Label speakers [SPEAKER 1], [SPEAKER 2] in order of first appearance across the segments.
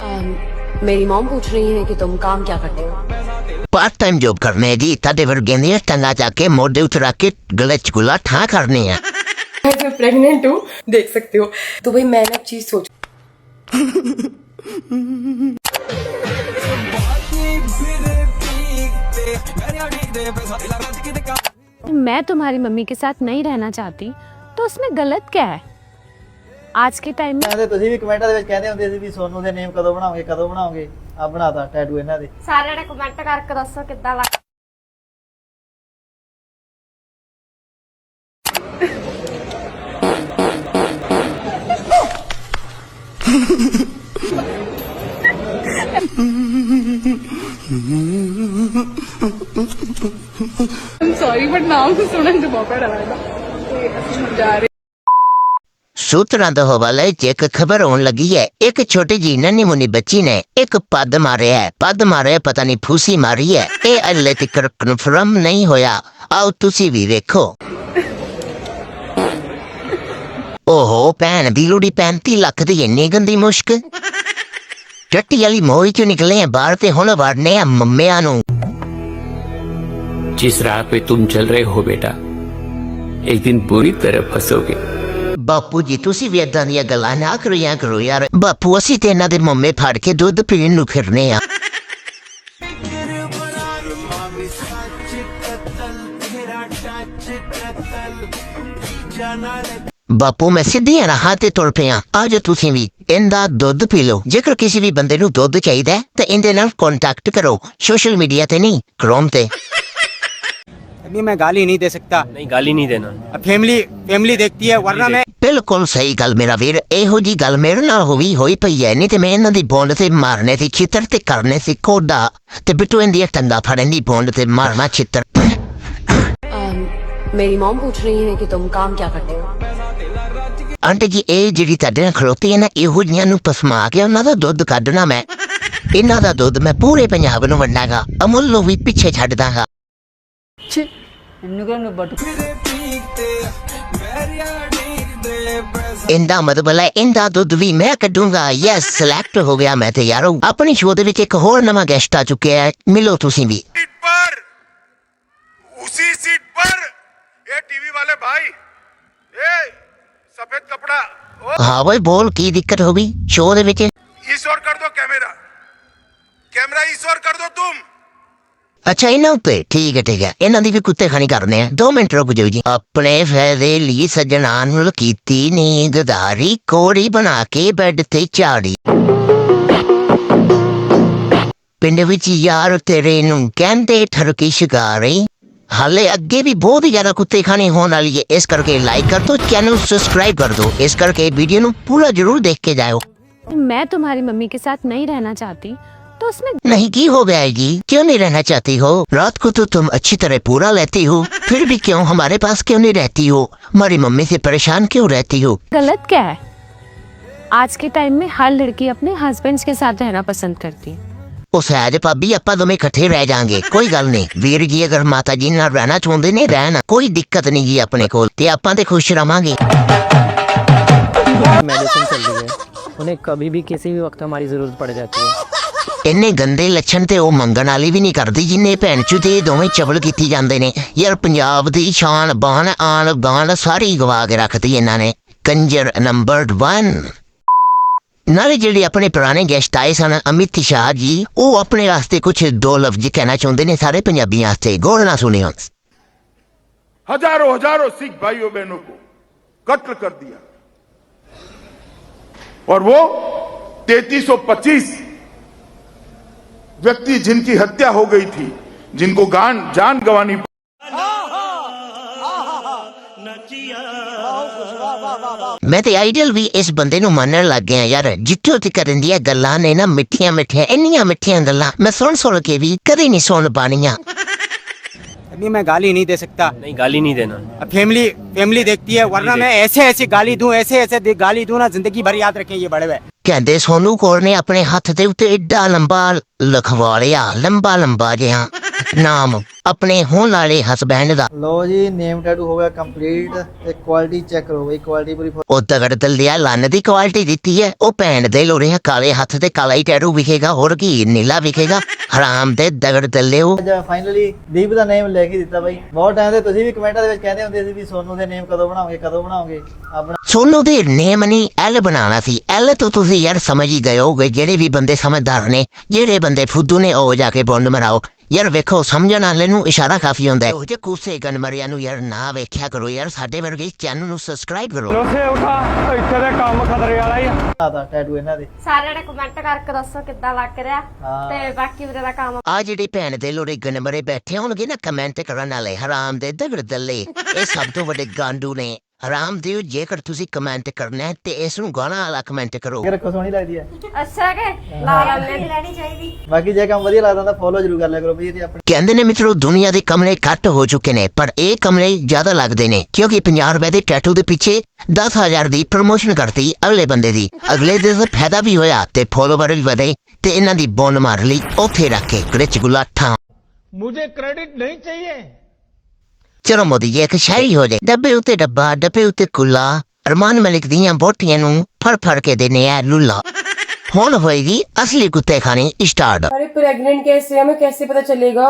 [SPEAKER 1] मेरी मॉम पूछ रही है कि तुम काम क्या करते हो।
[SPEAKER 2] पार्ट टाइम जॉब करने है जी। ताडे वर्गे ने टंगा जाके मोढे उठ रख के गले च गुला ठा करनी है।
[SPEAKER 1] मैं प्रेग्नेंट हूँ, देख सकते हो। तो भाई मैं ना चीज सोच
[SPEAKER 3] मैं तुम्हारी मम्मी के साथ नहीं रहना चाहती तो उसमें गलत क्या है। आज के टाइम में
[SPEAKER 4] ਤੁਸੀਂ ਵੀ ਕਮੈਂਟਾਂ ਦੇ ਵਿੱਚ ਕਹਿੰਦੇ ਹੁੰਦੇ ਸੀ ਵੀ ਸੋਨੂ ਦੇ ਨੇਮ ਕਦੋਂ ਬਣਾਓਗੇ ਆ ਬਣਾਤਾ ਟੈਟੂ ਇਹਨਾਂ ਦੇ।
[SPEAKER 3] ਸਾਰਿਆਂ ਨੇ ਕਮੈਂਟ ਕਰਕੇ ਦੱਸੋ ਕਿੱਦਾਂ ਲੱਗ
[SPEAKER 5] सॉरी बट नाम तो सुनने से बहुत डर लगा। जा रहे
[SPEAKER 2] सूत्रों के हवाले च एक खबर होने लगी है। एक छोटी जी नन्ही मुन्नी बच्ची ने एक पद मारे पता नहीं फूसी मारी है। ये हले तक कन्फर्म नहीं होया। आओ तुसी भी देखो। ओहो भैन दी लुड़ी 35 लाख दी इन्नी गंदी मुश्क। टट्टी वाली मोही चो निकले हैं बाहर ते हुण वड़ने आ मम्मिया नू।
[SPEAKER 6] जिस राह पे तुम चल रहे हो बेटा, एक दिन बुरी तरह फंसोगे।
[SPEAKER 2] बापू जी तुसी भी इदां दी गल्लां ना करो यार। बापू असी ते इन्हां दे मम्मे फड़ के दुध पीण नू फिरने आ। बापू मैं सीधी राह ते तुर पिया। आज तुसी भी इंदा दुध पी लो। जेकर किसी भी बंदे नू दुध चाहिदा ते इंदे नाल कांटेक्ट करो। सोशल मीडिया ते नहीं, क्रोम ते।
[SPEAKER 4] अभी मैं गाली नहीं दे सकता।
[SPEAKER 6] नहीं, गाली नहीं देना।
[SPEAKER 4] फैमिली देखती है वरना मैं।
[SPEAKER 2] बिल्कुल सही गल मेरा वीर। एहो जी गल मेरे नाल होई पई है। नहीं ते मैं इन्हां दी बोंड ते मारने सी चित्र ते करने सी कोडा ते बिट्टू इंदी टंगा फड़न दी बोंड ते मारना चित्र।
[SPEAKER 1] मेरी मॉम पूछ रही है कि तुम काम क्या करते हो।
[SPEAKER 2] आंटी जी ए जिहड़ी तुहाडे नाल खलोती है ना, इहो जिहियां नू पसमा के उन्हां दा दुध कढना मैं। इन्हां दा दुध मैं पूरे पंजाब नू वंडांगा। अमुल नू भी पिछे छड्ड दांगा। इंदा मतलब है इंदा दुध भी मैं कढूंगा। यस सिलेक्ट हो गया मैं ते यारो। अपनी शो दे विच एक होर नवां गेस्ट आ चुके हैं। मिलो तुसी भी।
[SPEAKER 7] उसी सीट पर ये टीवी वाले भाई, ये सफेद कपड़ा।
[SPEAKER 2] हाँ भाई बोल की दिक्कत हो गई शो दे विच।
[SPEAKER 7] इस ओर कर दो कैमरा इस ओर कर दो तुम।
[SPEAKER 2] अच्छा इन्हां उत्ते ठीक है इन्हां दी भी कुत्ते खानी करने हैं। 2 मिनट रुक जाओ जी। अपने फायदे लिए सजना नूं कीती नींददारी कोड़ी बना के बेड ते झाड़ी। पिंड विच यार तेरे नूं कहंदे ठरकी शिकारी। हाले अगे भी बहुत ही ज्यादा कुत्ते खाने होने वाली है। इस करके लाइक कर दो, चैनल सब्सक्राइब कर दो। इस करके वीडियो नू पूरा जरूर देख के जाओ।
[SPEAKER 3] मैं तुम्हारी मम्मी के साथ नहीं रहना चाहती तो उसमें
[SPEAKER 2] नहीं की हो गया है जी? क्यों नहीं रहना चाहती हो? रात को तो तुम अच्छी तरह पूरा लेती हो, फिर भी क्यों हमारे पास क्यों नहीं रहती हो? हमारी मम्मी से परेशान क्यों रहती हो?
[SPEAKER 3] गलत क्या है। आज के टाइम में हर लड़की अपने हस्बैंड के साथ रहना पसंद करती है।
[SPEAKER 2] उस है भाभी आपा दोवें इकट्ठे रह जाएंगे, कोई गल नहीं। वीर जी अगर माता जी नाल रहना चाहते ने रहना, कोई दिक्कत नहीं जी अपने कोल ते आपां ते खुश रहांगे।
[SPEAKER 8] मेडिसिन चल रही है, उन्हें कभी भी किसी भी वक्त हमारी जरूरत पड़ जाती है।
[SPEAKER 2] इन्ने गंदे लक्षण ते ओ मंगण वाली भी नहीं करदी जिन्ने भैन चू ते दोवें चवल कीती जांदे ने। यार पंजाब दी शान बान आन बान सारी गवा के रखती इन्हां ने। कंजर नंबर 1। नाले जेडे अपने पुराने गेस्ट आए सन अमित शाह जी, वो अपने वास्ते कुछ 2 लफ्ज कहना चाहते ने सारे पंजाबियों वास्ते। गौर ना सुनियो।
[SPEAKER 7] हजारों सिख भाइयों बहनों को कत्ल कर दिया और वो 3325 व्यक्ति जिनकी हत्या हो गई थी, जिनको जान गंवानी।
[SPEAKER 2] मैं तो आइडियल भी इस बंदे नू मनन लग गया यार। जित्थों तक दी गल्लां ने ना मिठियां इन्नियां मिठियां गल्लां मैं सुन के भी कदे नहीं सुन पानियां।
[SPEAKER 4] अभी मैं गाली नहीं दे सकता।
[SPEAKER 6] नहीं, गाली नहीं देना।
[SPEAKER 4] फैमिली देखती है वरना मैं ऐसे गाली दूं ऐसे गाली दूं ना जिंदगी भर याद रखें ये बड़े हुए।
[SPEAKER 2] कहते सोनू कौर ने अपने हाथ दे उत्ते एडा लंबा लिखवा लिया, लंबा जिहा नाम ਆਪਣੇ ਹੋਣ ਵਾਲੇ ਹਸਬੈਂਡ ਦਾ।
[SPEAKER 9] ਲੋ ਜੀ ਨੇਮ ਟੈਟੂ ਹੋ ਗਿਆ ਕੰਪਲੀਟ ਤੇ ਕੁਆਲਿਟੀ ਚੈੱਕ ਕਰੋ ਬਈ, ਕੁਆਲਿਟੀ ਪੂਰੀ
[SPEAKER 2] ਉਹ ਤਗੜ ਦਲਿਆ ਲੰਨ ਦੀ ਕੁਆਲਿਟੀ ਦਿੱਤੀ ਹੈ। ਉਹ ਭੈਣ ਦੇ ਲੋੜੇ ਕਾਲੇ ਹੱਥ ਤੇ ਕਾਲਾ ਹੀ ਟੈਟੂ ਵਿਖੇਗਾ, ਹੋਰ ਕੀ ਨੀਲਾ ਵਿਖੇਗਾ। ਹਰਾਮ ਦੇ ਦਗੜ ਦਲਿਓ।
[SPEAKER 9] ਫਾਈਨਲੀ ਦੀਪ ਦਾ ਨੇਮ ਲੈ ਕੇ ਦਿੱਤਾ ਬਾਈ। ਬਹੁਤ ਟਾਈਮ ਤੇ ਤੁਸੀਂ ਵੀ ਕਮੈਂਟਾਂ ਦੇ ਵਿੱਚ ਕਹਿੰਦੇ ਹੁੰਦੇ ਸੀ ਵੀ ਸੋਨੂ ਦੇ ਨੇਮ ਕਦੋਂ ਬਣਾਓਗੇ ਆਪਣਾ।
[SPEAKER 2] ਸੋਨੂ ਦੇ ਨੇਮ ਨਹੀਂ ਐਲ ਬਣਾਉਣਾ ਸੀ। ਐਲ ਤੋਂ ਤੁਸੀਂ ਯਾਰ ਸਮਝ ਹੀ ਗਏ ਹੋਗੇ, ਜਿਹੜੇ ਵੀ ਬੰਦੇ ਸਮਝਦਾਰ ਨੇ, ਜਿਹੜੇ ਬੰਦੇ ਫੁੱਦੂ ਨੇ, ਉਹ ਜਾ ਕੇ ਬੋਂਡ ਮਰਾਓ ਯਾਰ। ਵੇਖੋ ਸਮਝਣ ਵਾਲੇ ਨੂੰ ਇਸ਼ਾਰਾ ਕਾਫੀ ਹੁੰਦਾ ਹੈ। ਉਹ ਜੇ ਕੂਸੇ ਗਨਮਰਿਆਂ ਨੂੰ ਯਾਰ ਨਾ ਵੇਖਿਆ ਕਰੋ ਯਾਰ, ਸਾਡੇ ਵਰਗੇ ਚੈਨਲ ਨੂੰ ਸਬਸਕ੍ਰਾਈਬ ਕਰੋ।
[SPEAKER 4] ਇੱਥੇ ਦੇ ਕੰਮ ਖਤਰੇ ਵਾਲਾ ਹੀ
[SPEAKER 9] ਆਦਾ ਟੈਟੂ ਇਹਨਾਂ ਦੇ
[SPEAKER 3] ਸਾਰਿਆਂ ਨੇ ਕਮੈਂਟ ਕਰਕੇ ਦੱਸੋ ਕਿੱਦਾਂ ਲੱਗ ਰਿਹਾ ਤੇ ਬਾਕੀ ਵੀਰੇ ਦਾ ਕੰਮ।
[SPEAKER 2] ਆ ਜਿਹੜੀ ਭੈਣ ਦੇ ਲੋੜੇ ਗਨਮਰੇ ਬੈਠੇ ਹੋਣਗੇ ਨਾ ਕਮੈਂਟ ਕਰਨ ਵਾਲੇ, ਹਰਾਮ ਦੇ ਦਗੜ ਦੱਲੇ, ਇਹ ਸਭ ਤੋਂ ਵੱਡੇ ਗਾਂਡੂ ਨੇ। ਹਰਾਮ ਦਿਓ, ਜੇਕਰ ਤੁਸੀਂ ਕਮੈਂਟ ਕਰਨਾ ਹੈ ਤੇ ਇਸ ਨੂੰ ਗਾਣਾ ਵਾਲਾ ਕਮੈਂਟ ਕਰੋ।
[SPEAKER 9] ਰੱਖੋ, ਸੋਹਣੀ ਲੱਗਦੀ ਹੈ।
[SPEAKER 3] ਅੱਛਾ ਕਿ ਲਾ ਲੈ ਵੀ ਰਹਿਣੀ ਚਾਹੀਦੀ।
[SPEAKER 9] ਬਾਕੀ ਜੇ ਕੰਮ ਵਧੀਆ ਲੱਗਦਾ ਤਾਂ ਫੋਲੋ ਜ਼ਰੂਰ ਕਰ ਲਿਆ ਕਰੋ ਬਈ ਇਹਦੀ ਆਪਣੀ।
[SPEAKER 2] ਕਹਿੰਦੇ ਨੇ ਮਿੱਤਰੋ ਦੁਨੀਆ ਦੇ ਕਮਰੇ ਘੱਟ ਹੋ ਚੁੱਕੇ ਨੇ, ਪਰ ਇਹ ਕਮਰੇ ਜ਼ਿਆਦਾ ਲੱਗਦੇ ਨੇ, ਕਿਉਂਕਿ 50 ਰੁਪਏ ਦੇ ਟੈਟੂ ਦੇ ਪਿੱਛੇ 10,000 ਦੀ ਪ੍ਰਮੋਸ਼ਨ ਕਰਤੀ ਅਗਲੇ ਬੰਦੇ ਦੀ। ਅਗਲੇ ਦੇ ਫਾਇਦਾ ਵੀ ਹੋਇਆ ਤੇ ਫੋਲੋਵਰ ਵੀ ਵਧੇ ਤੇ ਇਹਨਾਂ ਦੀ ਬੋਨ ਮਾਰ ਲਈ ਉੱਥੇ ਰੱਖ ਕੇ ਗ੍ਰਿਚ ਗੁਲਾਠਾਂ।
[SPEAKER 8] मुझे क्रेडिट नहीं चाहिए।
[SPEAKER 2] ਚਲੋ ਮੋਦੀ ਜੀ ਇੱਕ ਸ਼ਾਇਰੀ ਹੋ ਜਾਏ। ਡੱਬੇ ਉੱਤੇ ਡੱਬਾ, ਡੱਬੇ ਉੱਤੇ ਕੁੱਲਾ, ਅਰਮਾਨ ਮਲਿਕ ਦੀਆਂ ਬੋਟੀਆਂ ਨੂੰ ਫੜ ਕੇ ਦੇਨੇ ਆ ਲੁੱਲਾ। ਹੁਣ ਹੋਏਗੀ ਅਸਲੀ ਕੁੱਤੇ ਖਾਣੀ ਸਟਾਰਟ।
[SPEAKER 1] अरे प्रेग्नेंट कैसे, हमें कैसे पता चलेगा?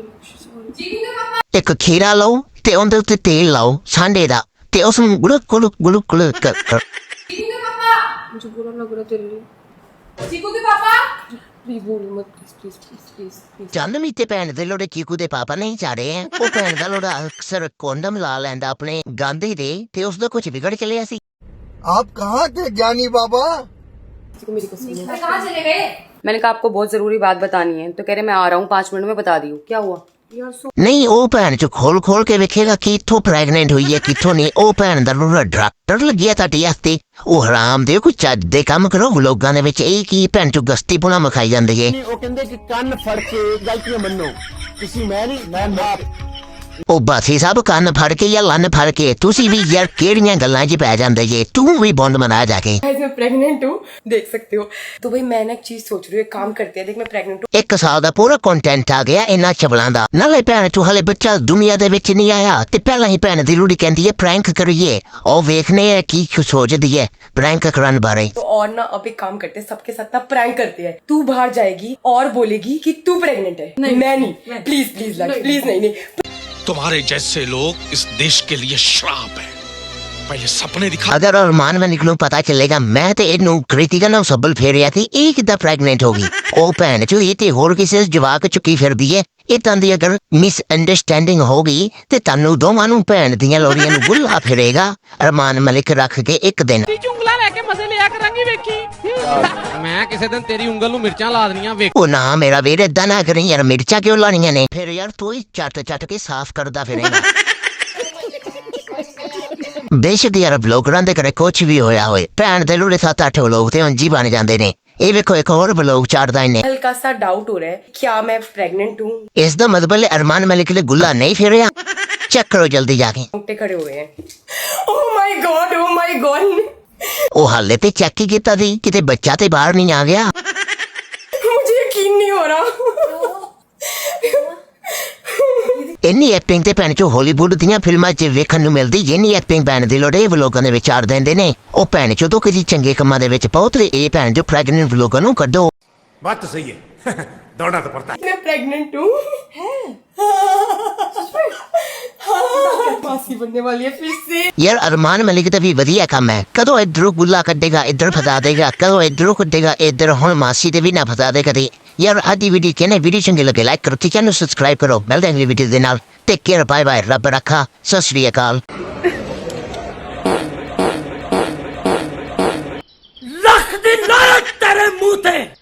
[SPEAKER 2] ਇੱਕ ਖੀਰਾ ਲਓ ਤੇ ਉਹਦੇ ਉੱਤੇ ਤੇਲ ਲਾਓ ਸਾਂਡੇ ਦਾ ਤੇ ਉਸ ਨੂੰ ਗੁਲਕ ਗੁਲਕ ਗੁਲਕ ਗੁਲਕ ਕਰ।
[SPEAKER 1] मुझे बुरा लग रहा तेरे लिए। चीकू के पापा प्लीज बोलो मत, प्लीज प्लीज प्लीज प्लीज।
[SPEAKER 2] ਚੰਦਮੀ ਤੇ ਭੈਣ ਦੇ ਲੋੜੇ ਚੀਕੂ ਦੇ ਪਾਪਾ ਨਹੀਂ ਜਾ ਰਹੇ ਹੈ। ਉਹ ਭੈਣ ਦਾ ਲੋੜਾ ਅਕਸਰ ਕੋਂਡਮ ਲਾ ਲੈਂਦਾ ਆਪਣੇ ਗਾਂਧੀ ਦੇ ਤੇ ਉਸ ਦਾ ਕੁਝ ਵਿਗੜ ਚਲਿਆ ਸੀ।
[SPEAKER 9] ਆਪ ਕਹਾਂ ਤੇ ਗਿਆਨੀ ਬਾਬਾ।
[SPEAKER 1] मेरी कसम है। कहाँ चले गए? मैंने कहा आपको बहुत जरूरी बात बतानी है, तो कह रहे मैं आ रहा हूँ 5 मिनट में बता दी हूँ। क्या हुआ?
[SPEAKER 2] ਨਹੀਂ ਉਹ ਭੈਣ ਚ ਖੋਲ ਕੇ ਵੇਖੇਗਾ ਕਿੱਥੋਂ ਪ੍ਰੈਗਨੈਂਟ ਹੋਈ ਹੈ ਕਿੱਥੋਂ ਨਹੀਂ। ਉਹ ਭੈਣ ਦਾ ਲੋੜਾ ਡਾਕਟਰ ਲੱਗਿਆ ਤੁਹਾਡੇ ਹੱਥੇ। ਉਹ ਹਰਾਮ ਦੇ ਕੋਈ ਚੱਜ ਦੇ ਕੰਮ ਕਰੋ। ਲੋਕਾਂ ਦੇ ਵਿੱਚ ਇਹ ਕੀ ਭੈਣ ਚੋਂ ਗਸਤੀ ਪੁਣਾ ਮਖਾਈ ਜਾਂਦੀ ਹੈ।
[SPEAKER 8] ਉਹ ਕਹਿੰਦੇ ਕਿ ਕੰਨ ਫੜ ਕੇ ਗਲਤੀਆਂ ਮੰਨੋ। ਤੁਸੀਂ ਮੈਂ ਨਹੀਂ, ਮੈਂ ਬਾਪ।
[SPEAKER 2] ਉਹ ਬਾਸੀ ਸਾਹਿਬ ਕੰਨ ਫੜ ਕੇ ਜਾਂ ਲੰਨ ਫੜ ਕੇ ਤੁਸੀਂ ਵੀ ਯਾਰ ਕਿਹੜੀਆਂ ਗੱਲਾਂ 'ਚ ਪੈ ਜਾਂਦੇ ਜੇ। ਤੂੰ ਵੀ ਬੌਂਡ ਮਨਾ ਜਾ ਕੇ।
[SPEAKER 1] Guys, मैं प्रेग्नेंट हूँ, देख सकते हो। तो भाई मैं ना एक चीज सोच रही हूँ, एक काम करते हैं। देख मैं प्रेग्नेंट हूँ।
[SPEAKER 2] 1 ਸਾਲ ਦਾ ਪੂਰਾ ਕੰਟੈਂਟ ਆ ਗਿਆ ਇਹਨਾਂ ਚਵਲਾਂ ਦਾ। ਨਾਲੇ ਭੈਣ ਤੂੰ ਹਲੇ ਬੱਚਾ ਦੁਨੀਆ ਦੇ ਵਿੱਚ ਨਹੀਂ ਆਇਆ ਤੇ ਪਹਿਲਾਂ ਹੀ ਭੈਣ ਦੀ ਲੋੜੀ ਕਹਿੰਦੀ ਹੈ ਪ੍ਰੈਂਕ ਕਰੀਏ। ਉਹ ਵੇਖਨੇ ਆ ਕੀ ਸੋਚਦੀ ਹੈ ਪ੍ਰੈਂਕ ਕਰਨ ਬਾਰੇ।
[SPEAKER 1] तो और ना अब एक काम करते हैं, सबके साथ ना प्रैंक करते हैं। तू बाहर जाएगी और बोलेगी कि तू प्रेग्नेंट है। नहीं, मैं नहीं। प्लीज प्लीज प्लीज नहीं नहीं।
[SPEAKER 7] तुम्हारे जैसे लोग इस देश के लिए श्राप है। पहले सपने दिखा।
[SPEAKER 2] ਅਗਰ ਅਰਮਾਨ ਮੈਲਿਕ ਨੂੰ ਪਤਾ ਚੱਲੇਗਾ ਮੈਂ ਤੇ ਇਹਨੂੰ ਕ੍ਰਿਤਿਕਾ ਨਾਲ ਸੱਬਲ ਫੇਰਿਆ ਸੀ, ਇਹ ਕਿੱਦਾਂ ਪ੍ਰੈਗਨੈਂਟ ਹੋ ਗਈ। ਉਹ ਭੈਣ ਚੋ ਇਹ ਤੇ ਹੋਰ ਕਿਸੇ ਜਵਾਕ ਚੁੱਕੀ ਫਿਰਦੀ ਹੈ। ਇਹ ਤਾਂ ਦੀ ਅਗਰ ਮਿਸ ਅੰਡਰਸਟੈਂਡਿੰਗ ਹੋ ਗਈ ਤੇ ਤੁਹਾਨੂੰ ਦੋਵਾਂ ਨੂੰ ਭੈਣ ਦੀਆਂ ਲੋੜੀਆਂ ਨੂੰ ਗੁੱਲਾ ਫਿਰੇਗਾ ਅਰਮਾਨ ਮਲਿਕ ਰੱਖ ਕੇ ਇੱਕ ਦਿਨ।
[SPEAKER 8] ਉਂਗਲਾਂ ਲੈ ਕੇ ਮਜ਼ੇ ਲਿਆ ਕਰਾਂਗੀ ਵੇਖੀ। ਮੈਂ ਕਿਸੇ ਦਿਨ ਤੇਰੀ ਉਂਗਲ ਨੂੰ ਮਿਰਚਾਂ ਲਾ ਦੇਣੀਆਂ ਵੇਖ।
[SPEAKER 2] ਉਹ ਨਾ ਮੇਰਾ ਵੀਰ ਏਦਾਂ ਨਾ ਕਰੀ ਯਾਰ, ਮਿਰਚਾਂ ਕਿਉਂ ਲਾਣੀਆਂ ਨੇ? ਫਿਰ ਯਾਰ ਤੂੰ ਹੀ ਚੱਟ ਕੇ ਸਾਫ਼ ਕਰਦਾ ਫਿਰੇਗਾ। ਬੇਸ਼ੱਕ ਯਾਰ ਬਲੌਗਰਾਂ ਦੇ ਘਰੇ ਕੁਛ ਵੀ ਹੋਇਆ ਹੋਏ, ਭੈਣ ਦੇ ਲੋੜੇ 7-8 ਲੋਕ ਤੇ ਉਂਝ ਹੀ ਬਣ ਜਾਂਦੇ ਨੇ। ਇਹ ਵੇਖੋ ਇੱਕ ਹੋਰ ਬਲੌਗ ਚਾੜਦਾ ਇਹਨੇ।
[SPEAKER 1] हल्का सा डाउट हो रहा है, क्या मैं प्रेग्नेंट हूँ?
[SPEAKER 2] ਇਸ ਦਾ ਮਤਲਬ ਹੈ ਅਰਮਾਨ ਮਲਿਕ ਨੇ ਗੁੱਲਾ ਨਹੀਂ ਫਿਰਿਆ। ਚੈੱਕ ਕਰੋ ਜਲਦੀ ਜਾ ਕੇ।
[SPEAKER 1] रोंगटे खड़े हुए हैं। Oh my God, oh my God।
[SPEAKER 2] ਉਹ ਹਾਲੇ ਤੇ ਚੈੱਕ ਹੀ ਕੀਤਾ ਸੀ, ਕਿਤੇ ਬੱਚਾ ਤੇ ਬਾਹਰ ਨਹੀਂ ਆ ਗਿਆ।
[SPEAKER 1] मुझे यकीन नहीं हो रहा।
[SPEAKER 2] ਇੰਨੀ ਐਕਟਿੰਗ ਤੇ ਭੈਣ ਚੋ ਹਾਲੀਵੁੱਡ ਦੀਆਂ ਫਿਲਮਾਂ 'ਚ ਵੇਖਣ ਨੂੰ ਮਿਲਦੀ। ਜਿੰਨੀ ਐਕਟਿੰਗ ਭੈਣ ਦੇ ਲੋੜੇ ਵਲੋਗਾਂ ਦੇ ਵਿੱਚ ਆੜ ਦਿੰਦੇ ਨੇ। ਉਹ ਭੈਣ ਚੋ ਤੋਂ ਕਿਸੇ ਚੰਗੇ ਕੰਮਾਂ ਦੇ ਵਿੱਚ ਬਹੁਤ ਇਹ ਭੈਣ ਜੋ ਪ੍ਰੈਗਨੈਂਟ ਵਲੋਗਾਂ ਨੂੰ ਕੱਢੋ।
[SPEAKER 7] बात तो सही है। दौड़ना तो पड़ता है।
[SPEAKER 1] मैं प्रेग्नेंट हूँ। मासी बनने वाली है फिर से।
[SPEAKER 2] ਯਾਰ ਅਰਮਾਨ ਮਲਿਕ ਦਾ ਵੀ ਵਧੀਆ ਕੰਮ ਹੈ। ਕਦੋਂ ਇੱਧਰੋਂ ਗੁੱਲਾ ਕੱਢੇਗਾ ਇੱਧਰ ਫਸਾ ਦੇਗਾ, ਕਦੋਂ ਇੱਧਰੋਂ ਕੱਢੇਗਾ ਇੱਧਰ। ਹੁਣ ਮਾਸੀ ਤੇ ਵੀ ਨਾ ਫਸਾ ਦੇ ਕਦੇ। ਯਾਰ ਅੱਜ ਦੀ ਵੀਡੀਓ ਕਿਹਨੇ ਵੀਡੀਓ ਚੰਗੀ ਲੱਗੇ ਲਾਈਕ ਕਰੋ ਤੇ ਚੈਨਲ ਨੂੰ ਸਬਸਕ੍ਰਾਈਬ ਕਰੋ। ਮਿਲਦੇ ਹਾਂ ਅਗਲੀ ਵੀਡੀਓ ਦੇ ਨਾਲ। ਟੇਕ ਕੇਅਰ, ਬਾਏ ਬਾਏ, ਰੱਬ ਰੱਖਾ, ਸਤਿ ਸ਼੍ਰੀ ਅਕਾਲ।
[SPEAKER 8] ਲੱਖ ਦੀ ਲਾਨਤ ਤੇਰੇ ਮੂੰਹ ਤੇ।